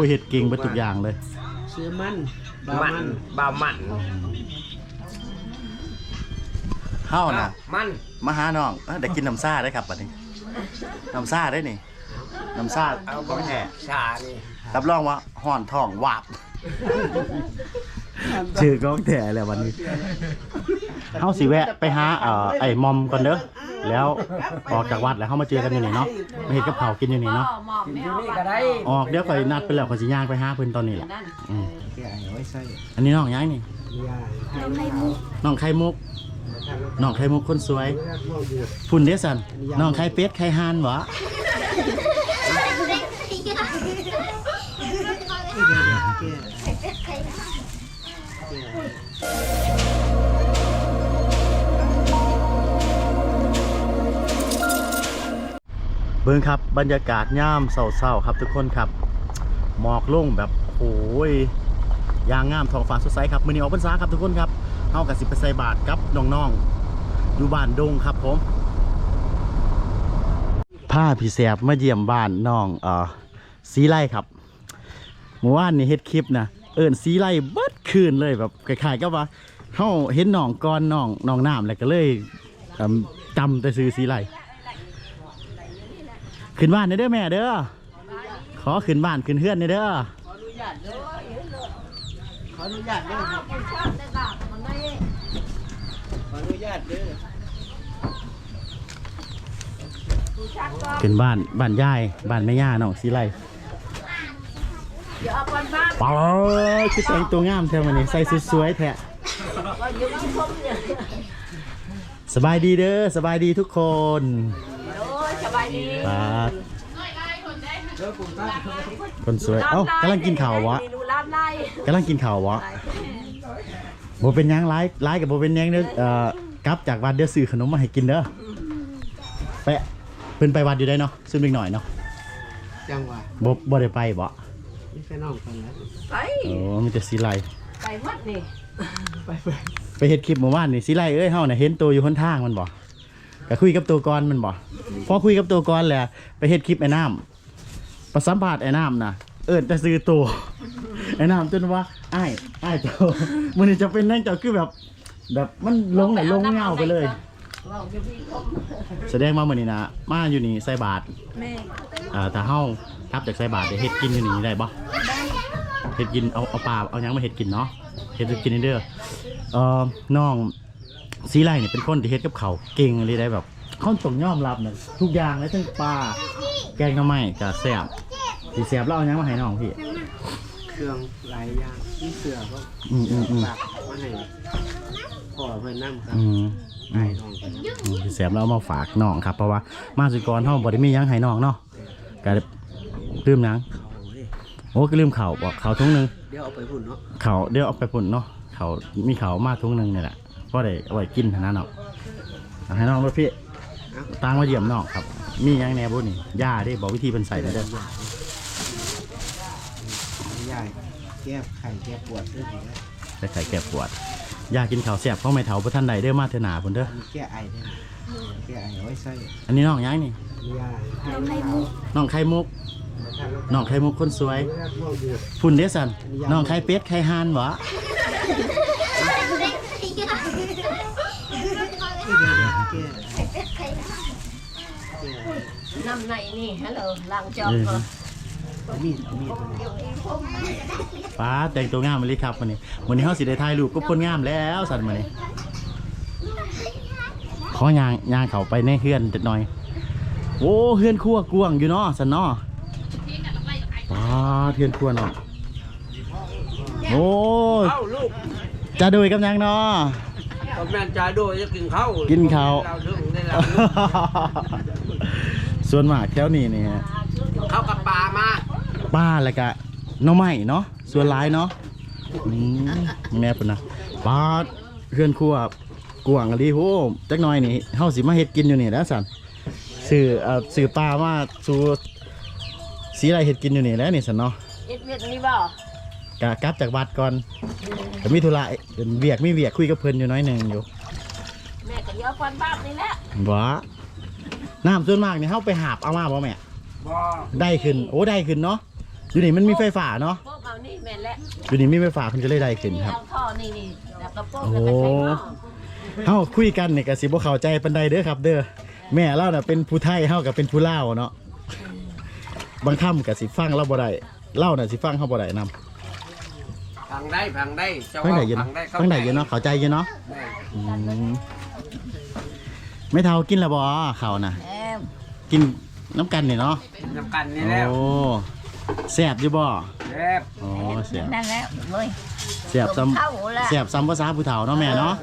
เฮ็ดเก่งไปทุกอย่างเลยเสือมันบามันเฮาน่ะมันมาหาน้องได้กินน้ำซ่าได้ครับบัดนี้น้ำซ่าได้นี่น้ำซ่าเอาของแท้ชานี่รับรองว่าห่อนท้องวาบชื่อก้องแท้แล้ววันนี้เฮาสิแวะไปหาไอ้มอมก่อนเด้อแล้วออกจากวัดแล้วเฮามาเจอกันอยู่นี่เนาะมาเฮ็ดกับข้าวกินอยู่นี่เนาะอยู่นี่ก็ได้ออกเดี๋ยวข่อยนัดไปแล้วข่อยสิย่างไปหาเพิ่นตอนนี้แหละแกเอาไว้ใส่อันนี้น้องยังนี่ยาน้องไข่มุกน้องไข่มุกคนสวยพุ่นเด้อสันน้องไข่เป็ดไข่ห่านบ่เบิ่งครับบรรยากาศย่ามเศร้าๆครับทุกคนครับหมอกลงแบบโอ้ยยางงามท้องฟ้าสดใสครับมื้อนี้ออกพรรษาครับทุกคนครับเฮากับสิไปใส่บาตรกับน้องๆอยู่บ้านดงครับผมพาพี่แสบมาเยี่ยมบ้านน้องสีไล่ครับเมื่อวานนี้เฮ็ดคลิปนะสีไล่เบิดคืนเลยแบบคล้ายๆกับว่าเฮาเห็นน้องก่อนน้องน้ำแล้วก็เลยจำแต่ซื้อสีไล่ขึ้นบ้านเด้อแม่เด้อขอขึ้นบ้านขึ้นเฮือนเด้อขออนุญาตเด้อขออนุญาตเด้อขึ้นบ้านยายบ้านแม่ย่าน้องสีไล่ป๋อคือแต่งตัวงามแท้วันนี้ใส่สุดสวยแท้สบายดีเด้อสบายดีทุกคนสบายดีครับคนสวยเอ้ากำลังกินข่าววะกำลังกินข่าววะโบเป็นยังไล่กับโบเป็นยังเด้อกลับจากวัดเดี๋ยวซื้อขนมมาให้กินเด้อไปเพิ่นไปวัดอยู่ได้เนาะซึ่งเล็กหน่อยเนาะจังหวะบ่ได้ไปบ่นี่แค่น้องกันแล้วไปโอ้มีแต่สีไลไปวัดนี่ไปเฮ็ดคลิปเมื่อวานนี่สีไลเอ้ยเฮาน่ะเห็นตัวอยู่หนทางมันบ่ก็คุยกับตัวก่อนมันบ่พอคุยกับตัวก่อนแล้วไปเฮ็ดคลิปไอ้น้ำประสัมภาษณ์ไอ้น้ำน่ะจะซื้อตัวไอ้น้ำจนว่าอ้ายเจ้ามื้อนี้จะเป็นนั่งเจ้าคือแบบมันลงเงาไปเลยแสดงว่ามื้อนี้นะมาอยู่นี่ใส่บาตรถ้าเฮาทับจากใส่บาตรได้เฮ็ดกินอยู่นี่ได้บ่เฮ็ดกินเอาปลาเอาหยังมาเฮ็ดกินเนาะเฮ็ดกินเด้อน้องสีไลเนี่ยเป็นคนที่เฮ็ดกับข้าวเก่งเลยได้แบบเขาต้องยอมรับนะทุกอย่างเลยทั้งปลาแกงหน่อไม้ก็แซ่บสิแซ่บแล้วเอาหยังมาให้น้องพี่เครื่องหลายอย่างที่เสือก็ฝากมาให้พ่อเพื่อนนั่งครับไอ้น้องกันแซ่บแล้วเอามาฝากน้องครับเพราะว่ามาสุกรเฮาบ่ได้มีหยังให้น้องเนาะก็ลืมหยังโอ้ก็ลืมข้าวบ่ข้าวถุงนึงเดี๋ยวเอาไปพุ่นเนาะข้าวเดี๋ยวเอาไปพุ่นเนาะข้าวมีข้าวมาถุงนึงนี่แหละก็ได้เอาไว้กินเท่านั้นเนาะให้น้องด้วยพี่ตั้งมาเยี่ยมน้องครับมีหยังแหน่บ่นี่ย่าได้บอกวิธีเพิ่นใส่ได้เด้อย่าแก้ไข่แก้ปวดด้วยได้ไข่แก้ปวดย่ากินข้าวแซ่บเพราะไม่เฒ่าบ่ทันใดเด้อมาเถอะหน้าพุ่นเด้อแก้ไอได้แก้ไอเอาไว้ใส่อันนี้น้องยังนี่น้องไข่มุกน้องไข่มุกคนสวยพุ่นเด้อสันน้องไข่เป็ดไข่ห่านบ่น้ำในนี่ฮัลโหลล้างจอกเหรอมีดป้าแต่งตัวงามมาเลยครับวันนี้เขาสิได้ถ่ายรูปก็คนงามแล้วสันมาเนี่ยขอยางเขาไปในเฮือนจัดหน่อยโอ้เฮือนครัวกวงอยู่เนาะสันเนาะป้าเฮือนครัวเนาะโอ้จะดูกับยังเนาะกับแม่จ่าโดยจะกินข้าวส่วนมากแถวนี้เนี่ยข้าวกับปลามาอะไรกะน้องใหม่เนาะส่วนร้ายเนาะแม่ปุ่นนะปลาเพื่อนครัวกวางอะไรโหจักหน่อยนี่เฮาสิมาเฮ็ดกินอยู่นี่แล้วสันสื่อปลามาสู่สีอะไรเฮ็ดกินอยู่นี่แล้วนี่สันเนาะเฮ็ดเวียดนี่บ่กลับจากวัดก่อนแต่มีธุระมีเวียกคุยกับเพิ่นอยู่น้อยหนึ่งอยู่แม่ก็เยอะกว่าบ้านนี่แหละบ่น้ำส่วนมากนี่เฮาไปหาบเอามาบ่แม่ได้ขึ้นโอ้ได้ขึ้นเนาะอยู่นี่มันมีไฟฟ้าเนาะพวกเอานี่แม่นแล้วอยู่นี่มีไฟฟ้าเพิ่นก็เลยได้ขึ้นครับเอาท่อนี่แล้วก็โป๊กโอ้แล้วก็ใส่หม้อเฮาคุยกันนี่ก็สิบ่เข้าใจปานใดเด้อครับ เด้อแม่เราน่ะเป็นผู้ไทยเฮาก็เป็นผู้ลาวเนาะบางคำก็สิฟังเราบ่ได้เล่าน่ะสิฟังเฮาบ่ได้นำฟังได้เจ้าฟังว่าได้อยู่เนาะเข้าฟังได้อยู่เนาะเข้าใจอยู่เนาะอืมไม่เท่ากินแล้วบ่ข้าวน่ะแล้วกินน้ำกันนี่เนาะน้ำกันนี่แล้วโอ้แซ่บอยู่บ่แซ่บโอ้แซ่บนั่นแล้วเว้ยแซ่บซ้ำเท่าละแซ่บซ้ำภาษาผู้เฒ่าเนาะแม่เนาะ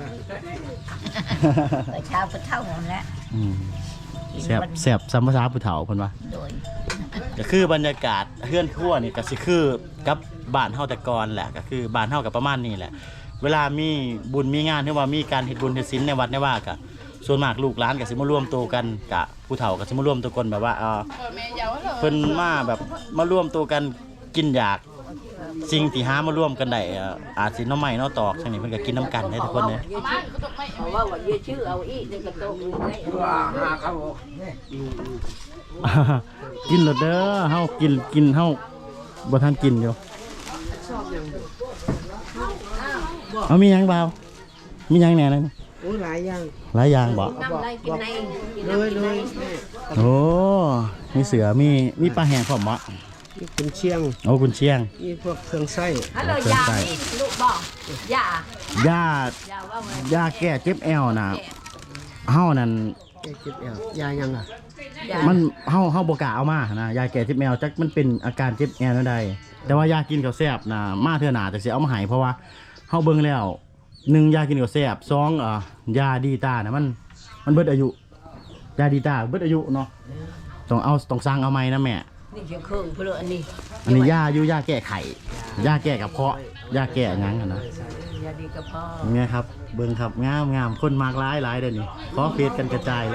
เช้าก็เท่าหมดแล้วอืมแซ่บซ้ำภาษาผู้เฒ่าเพิ่นว่าโดยก็คือบรรยากาศเฮือนครัวนี่ก็สิคือกับบ้านเฮาแต่ก่อนแหละก็คือบ้านเฮากับประมาณนี้แหละ เวลามีบุญมีงานหรือว่ามีการเฮ็ดบุญเฮ็ดศีลในวัดในว่าก็ส่วนมากลูกหลานก็สิมารวมตัวกันกะผู้เฒ่าก็สิมารวมตัวกันแบบว่าเพิ่นมาแบบมารวมตัวกันกินอยากสิ่งที่หามารวมกันได้อาจสิหน้อไม้หน้อตอกจังนี้เพิ่นก็กินน้ำกันได้ทุกคนเลยเพราะว่าเยอะชื่อเอาอีกในกระโตกเลยว่าหาเขากินแล้วเด้อเฮากินเฮาบ่ทันกินอยู่เอามีหยังเปล่ามีหยังแหน่นั่นโอ้หลายอย่างหลายอย่างบ่น้ำไรกินในเลยโอ้มีเสือมีปลาแห้งพร้อมบ่นี่คุณเชียงโอ้กุนเชียงนี่พวกเครื่องไส้ฮัลโหลยานี่ลูกบอกยาย่ายาว่าไงยาแก้เจ็บแอวน่ะเฮานั่นแก้เจ็บแอวยายังอ่ะยามันเฮาบ่กล้าเอามานะยาแก้เจ็บแอวจักมันเป็นอาการเจ็บแอวนั่นใดแต่ว่ายากินข้าวแซ่บน่ะมาเทื่อหน้าจักสิเอามาให้เพราะว่าเฮาเบิ่งแล้ว1ยากินข้าวแซ่บ2ยาดีตาน่ะมันเบิดอายุยาดีตาเบิดอายุเนาะต้องสั่งเอาใหม่นะแม่นี่เชียงเครื่องเพื่ออันนี้อันนี้ยาอยู่ยาแก้ไขยาแก้กับเพาะยาแก้หยังอะนะยาดีกระเพาะเนี่ยครับเบิ่งครับงามคนมากหลายเด้อนี่ขอเฟซกันกระจายเลย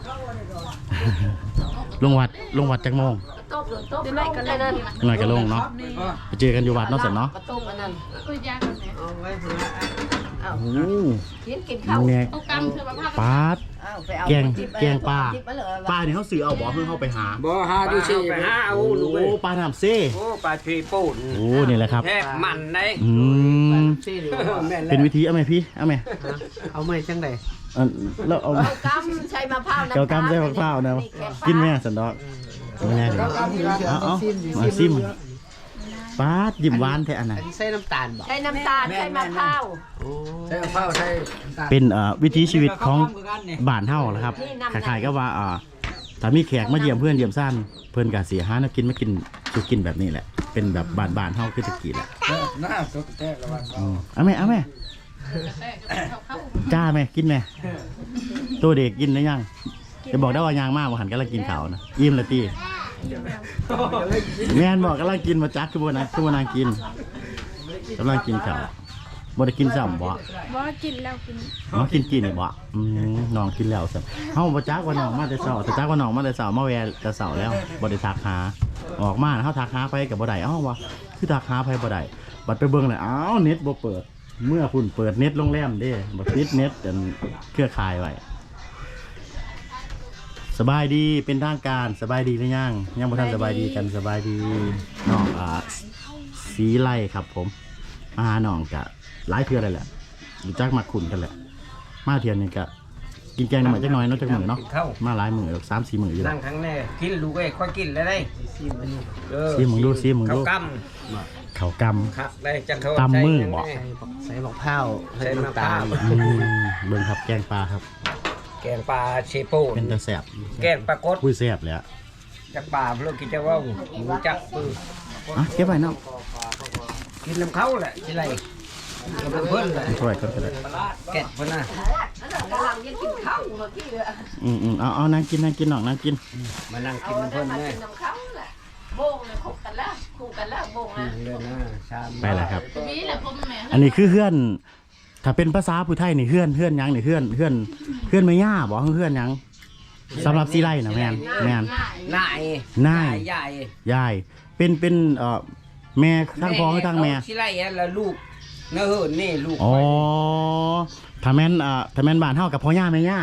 ลงวัดจักโมงโต๊ะโต๊ะไหนกันเลยนั่นหน่อยก็ลงเนาะไปเจอกันอยู่วัดเนาะเสร็จเนาะกระโต๊ะอันนั้นเอาไว้เพื่อเอาโอ้กินข้าวเนี่ยปาดเอาไปเอาแกงปลาปลาเนี่ยเขาซื้อเอาบ่เพิ่งเข้าไปหาบ่หาดูสิไปหาเอาโอ้ลูกเอ้ยปลาน้ำเซ่โอ้ปลาทรีปูนโอ้นี่แหละครับแทบมันได้อืมซี่หรือแม่นเป็นวิธีเอาไหมพี่เอาไหมเอาไม่จังได๋แล้วเอาเอากำใช้มะพร้าวเกากำใส่มะพร้าวนะกินแม่สันดอกไม่แน่เลยเอามาซิมปาดยิ้มหวานแท้อันน่ะอันนี้ใส่น้ำตาลบ่ใช้น้ำตาลใช้มะพร้าวใส่มะพร้าวใส่น้ำตาลเป็นวิถีชีวิตของบ้านเฮานะครับคล้ายๆก็ว่าถ้ามีแขกมาเยี่ยมเพื่อนเยี่ยมซ่านเพื่อนก็สิหาแนวกินมากินสุกินแบบนี้แหละเป็นแบบบ้านๆเฮาคือตะกี้แหละหน้าสดแท้ระวังเอาแม่จ้าแม่กินแม่ตัวเด็กกินได้ยังจะบอกได้ว่ายางมากว่าหันกำลังกินข้าวนะอิ่มละตีแม่นบอกกำลังกินมาจักคือบ่นะคือบ่นางกินกำลังกินข้าวบ่ได้กินซ้ำบ่บ่กินแล้วกินน้องกินนี่บ่น้องกินแล้วซ้ำเฮาบ่จักว่าน้องมาแต่เช้าแต่จักว่าน้องมาแต่เช้ามาแวะแต่เช้าแล้วบ่ได้ทักหาออกมาเฮาทักหาไปก็บ่ได้ว่าคือทักหาไปบ่ได้บัดไปเบิ่งเลยอ้าวเน็ตบ่เปิดเมื่อคุณเปิดเน็ตโรงแรมเด้บ่ปิดเน็ตอันเครือข่ายไว้สบายดีเป็นทางการสบายดีหรือยังบ่ทันสบายดีกันสบายดีน้องสีไล่ครับผมมาหาน้องกะหลายเทื่อเลยแหละรู้จักมาขุนกันแหละมาเทื่อนึงกะกินแกงหน่อยจักหน่อยเนาะจักมื้อเนาะมาหลายมื้อ3-4 มื้ออยู่แล้นั่วงข้างแน่กินลูกเอ้ยค่อยกินแล้วได้ซิมึงดูซิมึงเขาดูกเขาวกำครับได้จังเขาตำมือบ่ใส่มะพร้าวใส่น้ำตาลำเบิ่งครับแกงปลาครับแกงปลาเชโป้เป็นตาแซ่บแกงปลากดคุยแซ่บเลยอ่ะจากปลาเพื่อกินจะว่าหมูจักปือเก็บไว้เนาะกินน้ำเขาแหละที่ไรกับเพื่อนเลยช่วยกันก็ได้แกะเพื่อนน่ะกำลังยังกินข้าวเมื่อกี้เลยเอานั่งกินน้องนั่งกินมานั่งเอากินอันเพื่นั้อน นมาแม่กินน้ำข้าวแหละโบงเลยคุกกันแล้วโบงนะเดินหน้าชามไปแล้วครับมีแหละพ่อแม่อันนี้คือเฮือนถ้าเป็นภาษาผู้ไทยนี่เฮือนหยังนี่เฮือนไม่ย่าบ่เฮือนหยังสำหรับซีไรนะแม่นนายนายใหญ่ยายเป็นแม่ทั้งพ่อทั้งแม่ที่ไรแล้วลูกเนื้อเหินนี่ลูกอ๋อถ้าแม่นบ้านเฮากับพ่อย่าแม่ย่า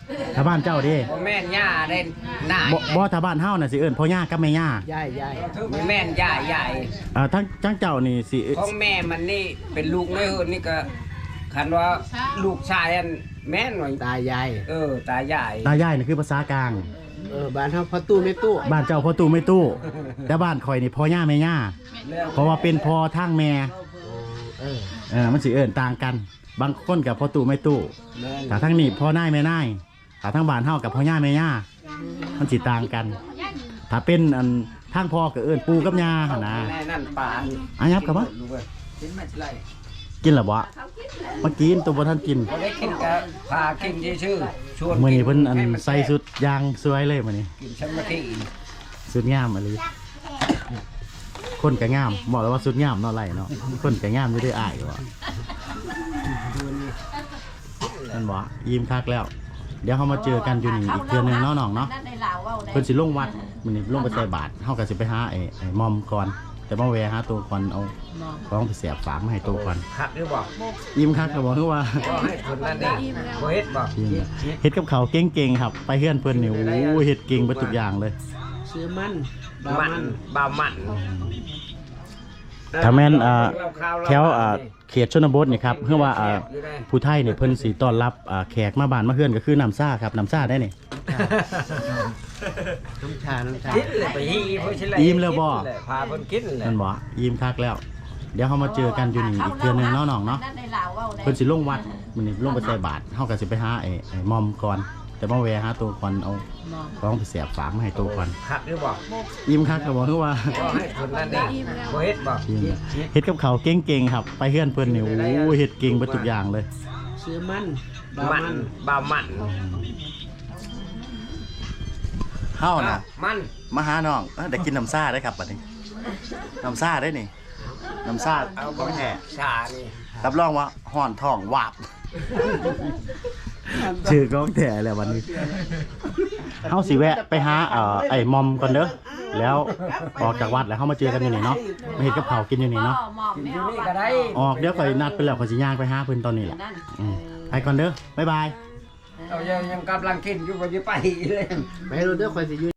ถ้าบ้านเจ้าเด้บ่แม่นย่าได้หน้าบ่ถ้าบ้านเฮาน่ะสิเอิ้นพ่อย่ากับแม่ย่าย่ายบ่แม่นย่ายทั้งเจ้านี่สิของแม่มันนี่เป็นลูกน้อยเฮินนี่ก็คันว่าลูกชายอันแม่นหน่อยตายายตายายตายายนี่คือภาษากลางบ้านเฮาพ่อตู้แม่ตู้บ้านเจ้าพ่อตู่ไม่ตู้แต่บ้านข่อยนี่พ่อย่าแม่ย่าเพราะว่าเป็นพ่อทางแม่ มันสิเอิ้นต่างกัน บางคนกับพ่อตู่ไม่ตู้แม่นถ้าทั้งนี้พ่อนายแม่นายถ้าทั้งบ้านเฮากับพ่อย่าแม่ย่ามันสิต่างกัน ถ้าเป็นอันทางพ่อก็เอิ้นปู่กับย่าหั่นนะแม่นั่นปานอ่ะยับกลับมากินไม่ไรกินแล้วบ่มากินตัวบ่ทันกินบ่ได้กินก็พากินชื่อๆชวนมื้อนี้เพิ่นอันให้มัใส่สุดยางสวยเลยมื้อนี้กินสมาธิสุดงามอะไรคนก็งามบอกแล้วว่าสุดงามเนาะไรเนาะคนก็งามอยู่ด้วยอ้ายว่ะนั่นบ่ยิ้มคักแล้ว เดี๋ยวเฮามาเจอกันอยู่นี่อีกเทื่อนึงเนาะน้องเนาะนั่นในลาวเว้าได้เพิ่นสิลงวัดมื้อนี้ลงไปใส่บาตรเฮาก็สิไปหาไอ้มอมก่อนแต่มาแวะหาตัวก่อนเอาของไปเสียบฝากมาให้ตัวก่อนคักหรือบ่ยิ้มคักก็บอกคือว่าบ่ให้คนนั้นเด้บ่เฮ็ดบ่เฮ็ดกับเขาวเก่งๆครับ ไปเฮือนเพิ่นนี่โอ้เฮ็ดเก่งเบิดทุกอย่างเลยซื้อมันมันบ่าวมันถ้าแม่นแถวเขตชนบทนี่ครับคือว่าผู้ไทยนี่เพิ่นสิต้อนรับแขกมาบ้านมาเฮือนก็คือน้ำซ่าครับน้ำซ่าได้นี่น้ำชากินเลยไปฮีเพิ่นสิเลยอิ่มแล้วบ่พาเพิ่นกินเลยนั่นบ่ยิ้มคักแล้ว เดี๋ยวเฮามาเจอกันอยู่นี่อีกเทื่อนึงเนาะน้องเนาะนั่นในลาวเว้าได้เพิ่นสิลงวัดมื้อนี้ลงไปใส่บาตรเฮาก็สิไปหาไอ้มอมก่อนแต่มาแวะหาตัวก่อนเอาของไปเสียบฝากมาให้ตัวก่อนคักหรือบ่ยิ้มคักก็บอกคือว่าบ่ให้คนนั้นเด้บ่เฮ็ดบ่เฮ็ดกับเขาวเก่งๆครับ ไปเฮือนเพิ่นนี่โอ้เฮ็ดเก่งเบิดทุกอย่างเลยซื้อมันมันบ่าวมันเฮาน่ะมันมาหาน้องได้กินน้ำซ่าได้ครับบัดนี้น้ำซ่าได้นี่น้ำซ่าเอาของแท้ชานี่รับรองว่าห่อนท้องวาบชื่อของแท้แล้ววันนี้เฮาสิแวะไปหาไอ้มอมก่อนเด้อแล้วออกจากวัดแล้วเฮามาเจอกันอยู่นี่เนาะมาเฮ็ดกับข้าวกินอยู่นี่เนาะหมอมกินไม่อยู่เอานี่ก็ได้ออกเดี๋ยวข่อยนัดไปแล้วข่อยสิย่างไปหาเพิ่นตอนนี้แหละนั่นไปก่อนเด้อบ๊ายบายเอายังกำลังกินอยู่บ่ได้ไปเลยไปให้รู้เด้อคอยสิอยู่